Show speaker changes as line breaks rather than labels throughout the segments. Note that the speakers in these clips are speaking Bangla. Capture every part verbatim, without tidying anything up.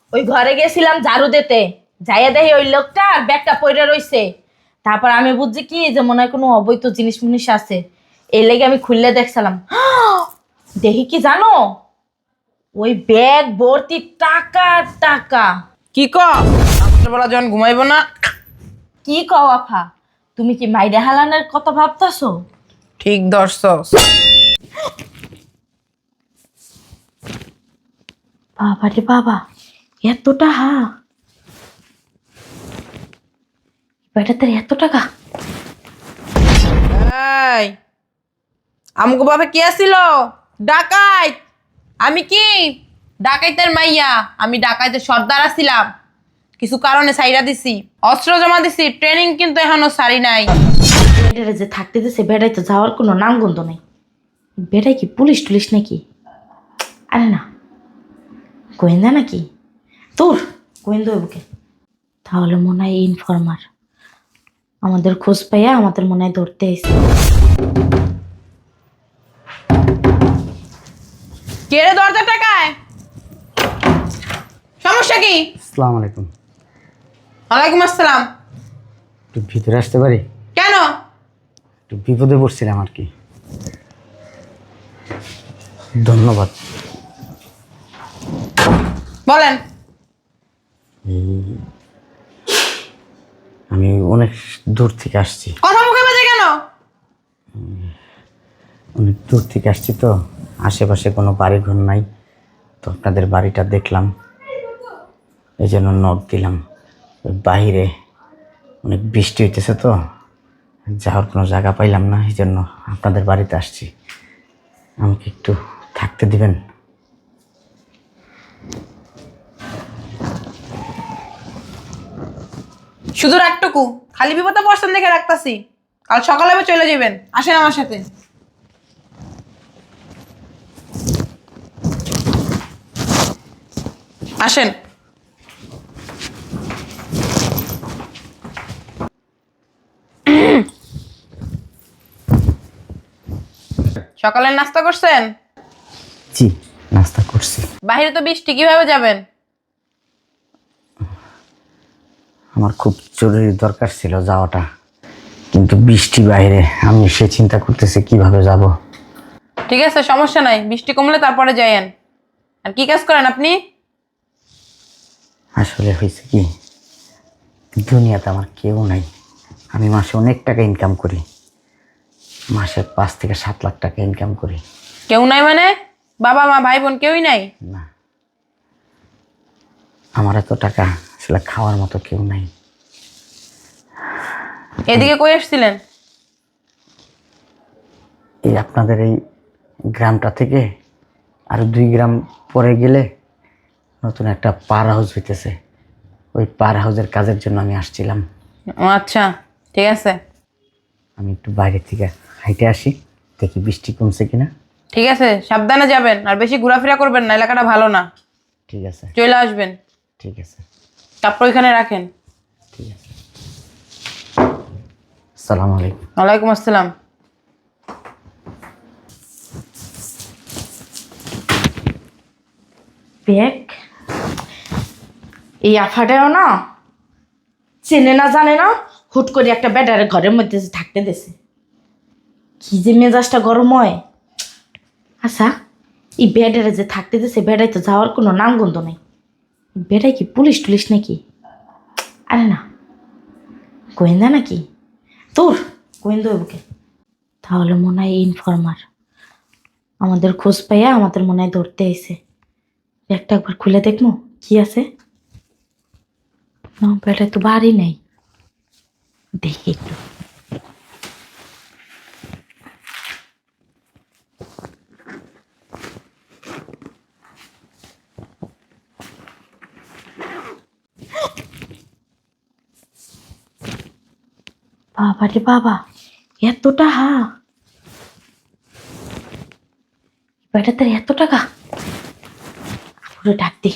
ওই ঘরে গেছিলাম ঝাড়ু দিতে, যাইয়া দেখি ওই লোকটা আর ব্যাগটা পড়ে রইছে। তারপর আমি বুঝছি কি যে মনে হয় কোনো অবৈধ জিনিস মুনিস আছে, এই লেগে আমি খুললে দেখছিলাম। দেখি কি জানো, ওই ব্যাগ ভর্তি টাকা আর টাকা।
কি ক রাত্রেবেলা যখন ঘুমাইব না।
কি কও আফা, তুমি কি মাইরা হালানের কথা ভাবতাছো?
ঠিক ধরছস।
বাবা রে বাবা, এত টাকা! বেটাতে এত টাকা!
এই আমগো বাপে কি আসিল? ডাকাইত। আমি কি ডাকাইতের মাইয়া? আমি ডাকাইতের সর্দার আছিলাম, কিছু কারণে সাইরা দিছি, অস্ত্র জমা দিছি, ট্রেনিং কিন্তু এখনো সারি নাই।
বেটারে যে থাকতে দিছে, বেটাই তো যাওয়ার কোনো নাম গন্ধ নেই। বেটাই কি পুলিশ টুলিশ নাকি? আরে না, গোয়েন্দা নাকি? তোর গোয়েন্দা বুকে তাহলে মনে হয় ইনফরমার, আমাদের খোঁজ পাইয়া আমাদের মনে হয় ধরতে এসে।
কে রে দরজা টাকায়? সমস্যা কি?
আসসালামু আলাইকুম।
ওয়ালাইকুম আসসালাম।
একটু ভিতরে আসতে পারি?
কেন?
একটু বিপদে পড়ছিলাম আর কি। ধন্যবাদ।
বলেন।
এই আমি অনেক দূর থেকে আসছি,
কথা মুখে বাজে কেন?
অনেক দূর থেকে আসছি তো, আশেপাশে কোনো বাড়ি ঘর নাই, তো আপনাদের বাড়িটা দেখলাম, এই জন্য নক দিলাম। ওই বাইরে অনেক বৃষ্টি হইতেছে তো, যাওয়ার কোনো জায়গা পাইলাম না, এই জন্য আপনাদের বাড়িতে আসছি। আমাকে একটু থাকতে দিবেন?
শুধু রাতটুকু খালি বিপদে পড়ছেন দেখে রাখতাছি, কাল সকালে আবার চলে যাবেন। আসেন আমার সাথে। আসেন। সকালের নাস্তা করছেন?
জি, নাস্তা করছি।
বাইরে তো বৃষ্টি, কিভাবে যাবেন?
আমার খুব জরুরি দরকার ছিল যাওয়াটা, কিন্তু বৃষ্টি বাইরে, আমি সে চিন্তা করতেছি কিভাবে যাব।
ঠিক আছে, সমস্যা নাই, বৃষ্টি কমলে তারপরে যাইয়েন। আর কি কাজ করেন আপনি?
আসলে হয়েছে কি, দুনিয়াতে আমার কেউ নাই। আমি মাসে অনেক টাকা ইনকাম করি, মাসে পাঁচ থেকে সাত লাখ টাকা ইনকাম করি।
কেউ নাই মানে? বাবা মা ভাই বোন কেউই নাই?
না, আমার এত টাকা আসলে খাওয়ার মতো কেউ নাই।
এদিকে কই আসছিলেন?
এই আপনাদের এই গ্রামটা থেকে আরো দুই গ্রাম পরে গেলে নতুন একটা পার হাউস হইতেছে, ওই পার হাউসের কাজের জন্য আমি আসছিলাম।
ও আচ্ছা, ঠিক আছে।
আমি একটু বাইরে থেকে হাইটে আসি, দেখি বৃষ্টি কমছে কিনা।
ঠিক আছে, সাবধানে যাবেন, আর বেশি ঘোরাফেরা করবেন না, এলাকাটা ভালো না।
ঠিক আছে।
চলে আসবেন।
ঠিক আছে।
কাপড় ওইখানে রাখেন।
ঠিক আছে। আসসালামু আলাইকুম।
ওয়ালাইকুম আসসালাম।
ব্যাগ, এই আফাটাও না চেনে না জানে না, হুট করে একটা ব্যাটারে ঘরের মধ্যে যে থাকতে দেছে, কি যে মেজাজটা গরম হয়। আচ্ছা, এই ব্যাটারে যে থাকতে দেছে, বেড়াই তো যাওয়ার কোনো নাম গন্ধ নেই। বেড়াই কি পুলিশ টুলিশ নাকি? আরে না, গোয়েন্দা নাকি? তোর গোয়েন্দা বুকে তাহলে মনে হয় ইনফরমার, আমাদের খোঁজ পাইয়া আমাদের মনে হয় ধরতে এসে। ব্যাগটা একবার খুলে দেখবো কি আছে। না, বেটায় তো বাড়ি নেই, দেখি একটু। বাবা রে বাবা, এত টাকা! বেটাতে এত টাকা! পুরো ডাক দি।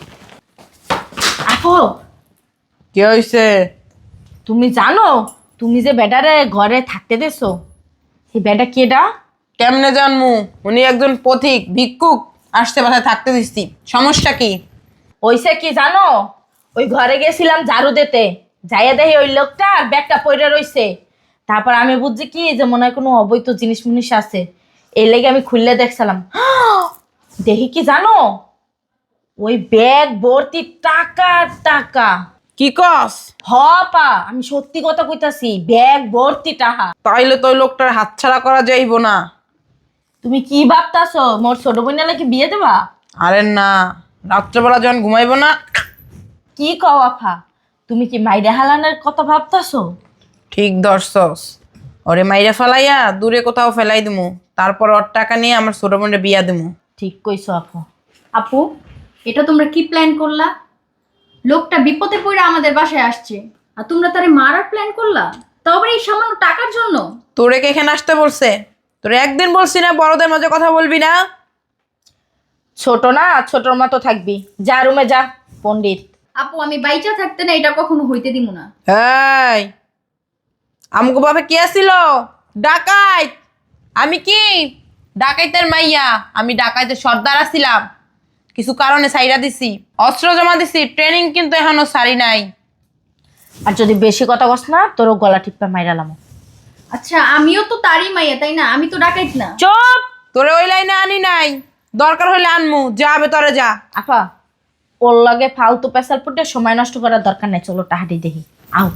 আপো,
কি হয়েছে?
তুমি জানো তুমি যে বেটারে ঘরে থাকতে দেছো, এই বেটা কেডা?
কেমনে জানমু? উনি একজন পথিক ভিক্ষুক, আসতে বাসায় থাকতে দিচ্ছি। সমস্যা কি?
ওইসে কি জানো, ওই ঘরে গেছিলাম ঝাড়ু দিতে, যাইয়া দেখি ওই লোকটা আর ব্যাগটা পড়ে রইছে। তারপর আমি বুঝছি কি যে মনে হয় কোনো অবৈধ জিনিস মিনিস আছে, এই লেগে আমি খুললে দেখছিলাম। দেখি কি জানো, ওই ব্যাগ ভর্তি টাকা টাকা।
কি কস?
হ পা, আমি সত্যি কথা কইতাছি, ব্যাগ ভর্তি টাকা।
তাইলে তো ওই লোকটার হাতছাড়া করা যাইব না।
তুমি কি ভাবতাছো, মোর ছোট বোনের নাকি বিয়ে দেবা?
আরে না, রাত্রেবেলা যখন ঘুমাইব না।
কি কও আফা, তুমি কি মাইরা হালানের কথা ভাবতাছো?
ঠিক ধরছস, ওরে মাইরা ফেলাইয়া দূরে কোথাও ফেলাই দিমু, তারপর ওর টাকা নিয়ে আমার ছোট বোনের বিয়া দিমু।
ঠিক কইছো আপু।
আপু, এটা তোমরা কি প্ল্যান করলা? লোকটা বিপদে পড়ে আমাদের বাসায় আসছে, আর তোমরা তারে মারার প্ল্যান করলা, তাও আবার এই সামান্য টাকার জন্য?
তোরে কে এখানে আসতে বলছে? তোরে একদিন বলছি না বড়দের মাঝে কথা বলবি না?
ছোট না, ছোটর মতো থাকবি, যা রুমে যা পণ্ডিত।
আপু, আমি বাইচা থাকতে না এটা কখনো হইতে দিব না।
এই, আমগো বাপে কি আসিল? ডাকাইত। আমি কি ডাকাইতের মাইয়া? আমি ডাকাইতের সর্দার আছিলাম, কিছু কারণে সাইরা দিছি, অস্ত্র জমা দিছি, ট্রেনিং কিন্তু এখনো সারি নাই।
আর যদি বেশি কথা কস না, তোরও গলা টিপা মাইরালাম।
আচ্ছা, আমিও তো তারই মাইয়া, তাই না? আমি তো ডাকাইত না।
চুপ।
তোরে ওই লাইনে আনি নাই, দরকার হইলে আনমু, যাবে তোরে যা।
আপা, ওর লাগে ফালতু পেশাল পুটে সময় নষ্ট করার দরকার নাই, চলো টাহাটি দেখি। আও,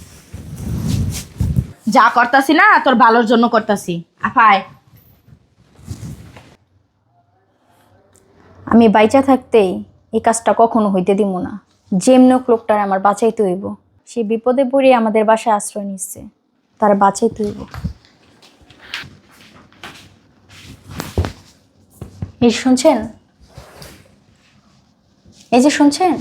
যা করতাছি না তোর ভালোর জন্য করতাছি। আফায়,
আমি বাইচা থাকতেই এই কাজটা কখনো হইতে দিব না। যেমন লোকটার আমার বাঁচাইতে হইব, সে বিপদে পড়ে আমাদের বাসায় আশ্রয় নিচ্ছে, তার বাঁচাইতে হইব। এই শুনছেন, এই যে শুনছেন,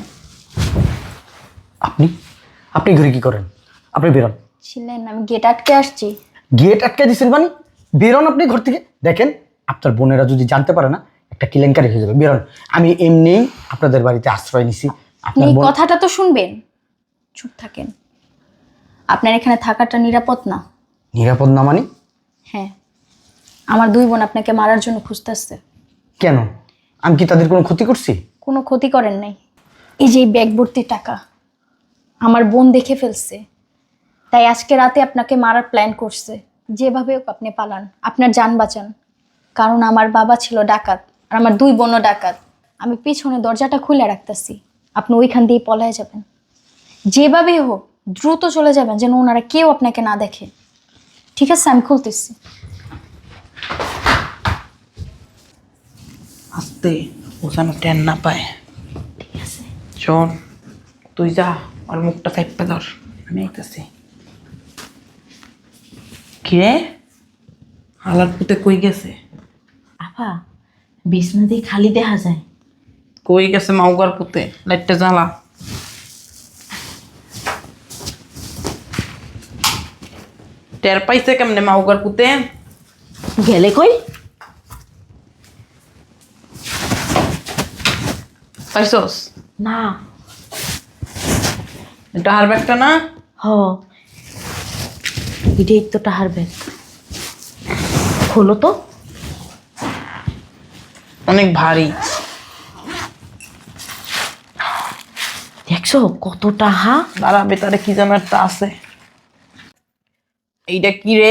আপনি আপনি ঘরে কি করেন? আপনি বেরোন।
ছিলেন, আমি গেট আটকে আসছি।
গেট আটকে দিচ্ছেন মানে? বেরোন আপনি ঘর থেকে। দেখেন, আপনার বোনেরা যদি জানতে পারে না, একটা কেলেঙ্কারি হয়ে যাবে। বেরোন। আমি এমনিই আপনাদের বাড়িতে আশ্রয় নিছি।
আপনি
আপনার
এই
বোন
কথাটা তো শুনবেন, চুপ থাকেন। আপনার এখানে থাকাটা নিরাপদ না।
নিরাপদ না মানে?
হ্যাঁ, আমার দুই বোন আপনাকে মারার জন্য খুঁজতেছে।
কেন? আমি কি তাদের কোনো ক্ষতি করছি?
কোনো ক্ষতি করেন নাই। এই যে এই ব্যাগ ভর্তি টাকা আমার বোন দেখে ফেলছে, তাই আজকে রাতে আপনাকে মারার প্ল্যান করছে। যেভাবে হোক আপনি পালান, আপনার জান বাঁচান। কারণ আমার বাবা ছিল ডাকাত, আর আমার দুই বোনও ডাকাত। আমি পিছনে দরজাটা খুলে রাখতেছি, আপনি ওইখান দিয়ে পলায় যাবেন। যেভাবে হোক দ্রুত চলে যাবেন, যেন ওনারা কেউ আপনাকে না দেখে। ঠিক আছে, আমি খুলতেছি।
আস্তে, ও যেন টেন না পায়। ঠিক আছে, শোন, তুই যা, আর মুখটা চাইপে ধর, আমি আইতাছি। কিরে, হালার পুতে কই গেছে?
আপা, বিছনা দিয়ে খালি দেখা যায়।
কই গেছে মাউগার পুতে? লাইটটা জ্বালা। টের পাইছে কেমনে মাউগার পুতে?
গেলে কই?
পাইছস?
না।
এটা হার ব্যাগটা না?
হ, এটাই তো টাহার ব্যাগ। খোলো তো।
অনেক ভারী।
দেখছো কত টাহা?
দাঁড়া, ভেতরে কি যেন একটা আছে। এইটা কি রে?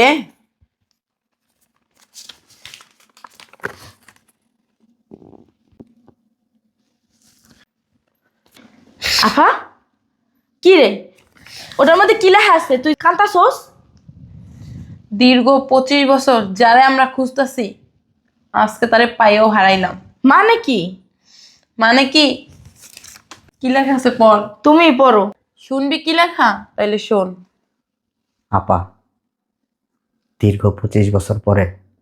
আফা, কি রে, ওটার মধ্যে কি লেখা আছে? তুই কান্তাছোস?
দীর্ঘ পঁচিশ বছর যারে আমরা খুঁজতেছি, আজকে তারে পাইও হারাইলাম।
মানে কি?
মানে কি? কি লেখা আছে পড়।
তুমি পড়ো।
শুনবি কি লেখা? তাইলে শোন।
আপা, দীর্ঘ পঁচিশ বছর পরে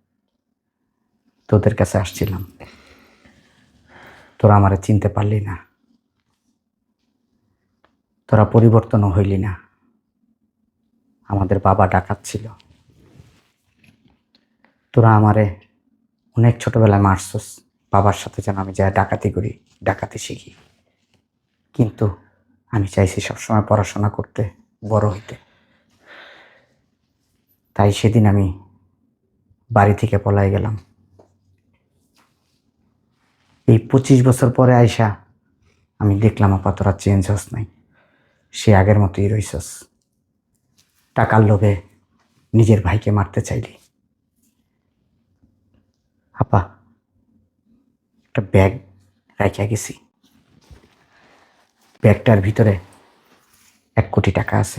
তোদের কাছে আসছিলাম, তোরা আমারে চিনতে পারলি না, তোরা পরিবর্তনও হইলি না। আমাদের বাবা ডাকাত ছিল, তোরা আমারে অনেক ছোটবেলায় মারছস, বাবার সাথে যেন আমি যাই ডাকাতি করি, ডাকাতি শিখি। কিন্তু আমি চাইছি সবসময় পড়াশোনা করতে, বড় হইতে। তাই সেদিন আমি বাড়ি থেকে পলাই গেলাম। এই পঁচিশ বছর পরে আইসা আমি দেখলাম আপা তোরা চেঞ্জ হস নাই, সে আগের মতোই রইছস। টাকার লোভে নিজের ভাইকে মারতে চাইলি। আপা একটা ব্যাগ রাখিয়া গেছি, ব্যাগটার ভিতরে এক কোটি টাকা আছে।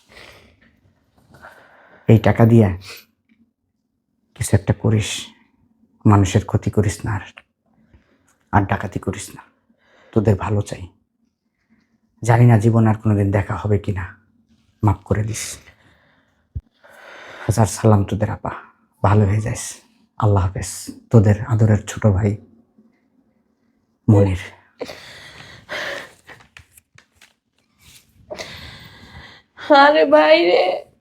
এই টাকা দিয়ে কিছু একটা করিস, মানুষের ক্ষতি করিস না, আর আর ডাকাতি করিস না। তোদের ভালো চাই। জানি না জীবন আর কোনোদিন দেখা হবে কিনা, মাফ করে দিস। হাজার সালাম তোদের আপা, ভালো হয়ে যাস। আল্লাহ হাফেজ। তোদের আদরের ছোট ভাই মনির।
আরে ভাই রে,